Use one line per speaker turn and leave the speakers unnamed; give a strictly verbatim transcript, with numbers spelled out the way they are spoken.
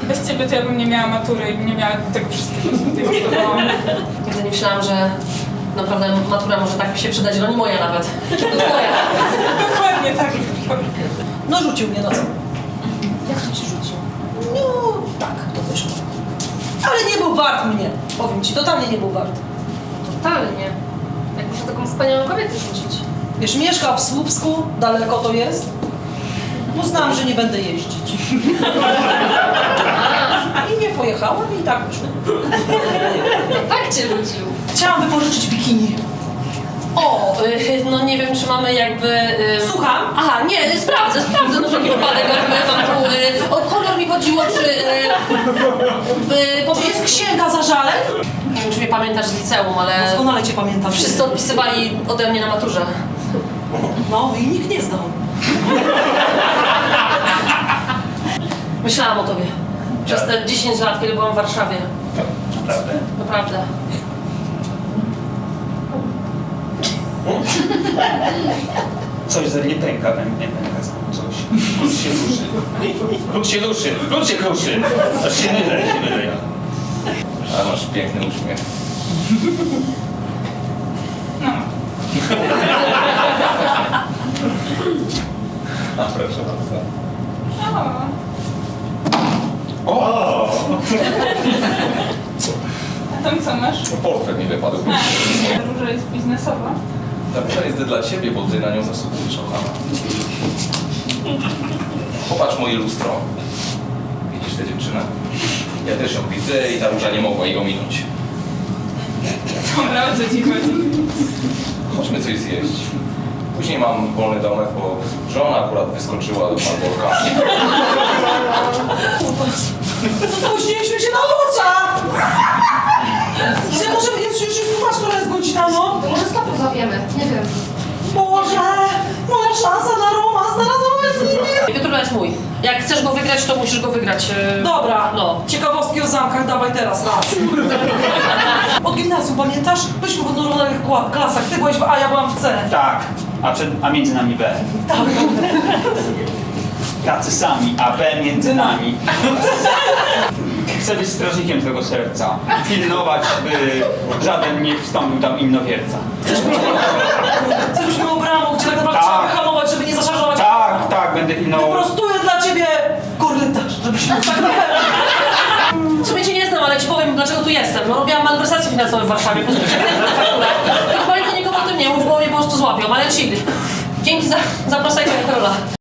Bez ciebie to ja bym nie miała matury i nie miała tego wszystkiego, co tutaj wybudowałam.
Nigdy nie myślałam, że naprawdę matura może tak mi się przydać, no nie moja nawet. To twoja.
Dokładnie tak.
No rzucił mnie, no co?
Jak to ci rzucił?
No tak, to wyszło. Ale nie był wart mnie, powiem ci, totalnie nie był wart.
Totalnie. Jak muszę taką wspaniałą kobietę rzucić.
Wiesz, mieszka w Słupsku, daleko to jest. Uznałam, że nie będę jeździć. I nie pojechałam i tak wyszło.
Tak cię rzucił.
Chciałam wypożyczyć bikini.
O, y, no nie wiem, czy mamy jakby... Y...
Słucham?
Aha, nie, sprawdzę, sprawdzę, no wszelki wypadek, jakby mam tu... Y, o kolor mi chodziło, czy... Y, y, po
Czy jest
prostu...
księga zażaleń?
Nie wiem, czy mnie pamiętasz z liceum, ale...
Doskonale cię pamiętam.
Wszyscy odpisywali ode mnie na maturze.
No i nikt nie znał.
Myślałam o tobie. Przez te dziesięć lat, kiedy byłam w Warszawie.
Naprawdę?
Naprawdę.
Coś ze mnie pęka, we mnie pęka coś. Lud się ruszy. Lud się ruszy, lud się kruszy. Aż się mylę, się mylę ja. A masz piękny uśmiech.
No.
A proszę bardzo.
O.
O!
A tam co masz?
Portfel mi wypadł.
A, róża jest biznesowa.
Ta róża jest dla ciebie, bo ty na nią zasługujesz, kochana. Popatrz moje lustro. Widzisz tę dziewczynę? Ja też ją widzę i ta róża nie mogła jej ominąć.
Dobra, o co ci chodzi?
Chodźmy coś zjeść. Później mam wolny domek, bo żona akurat wyskoczyła do podwórka.
Spóźniliśmy się na Luca! Gdzie może jest już już która jest godzina, no?
To może stopu złapiemy, nie wiem.
Boże, moja szansa na romans, na razowanie.
Piotrula jest mój. Jak chcesz go wygrać, to musisz go wygrać. Yy...
Dobra,
No.
ciekawostki o zamkach dawaj teraz, raz. Od gimnazjum, pamiętasz? Byliśmy w odnożonych klasach, ty byłeś w A, ja byłam w C.
Tak, a, przed, a między nami B.
Tak.
Tacy sami, a B między nami. Chcę być strażnikiem twojego serca. Pilnować, by żaden nie wstąpił tam innowierca.
Chcesz być moją bramą, gdzie tak naprawdę
Tak.
trzeba wyhamować, żeby nie zaszarżować.
Tak, tak, będę pilnował.
Wyprostuję dla ciebie korytarz, żebyś mógł tak naprawdę.
W sumie cię nie znam, ale ci powiem, dlaczego tu jestem. No robiłam malwersacje finansowe w Warszawie, po prostu się Chyba nikomu o tym nie mów, bo mnie po prostu złapią, ale chill. Dzięki za zaproszenie, Karola.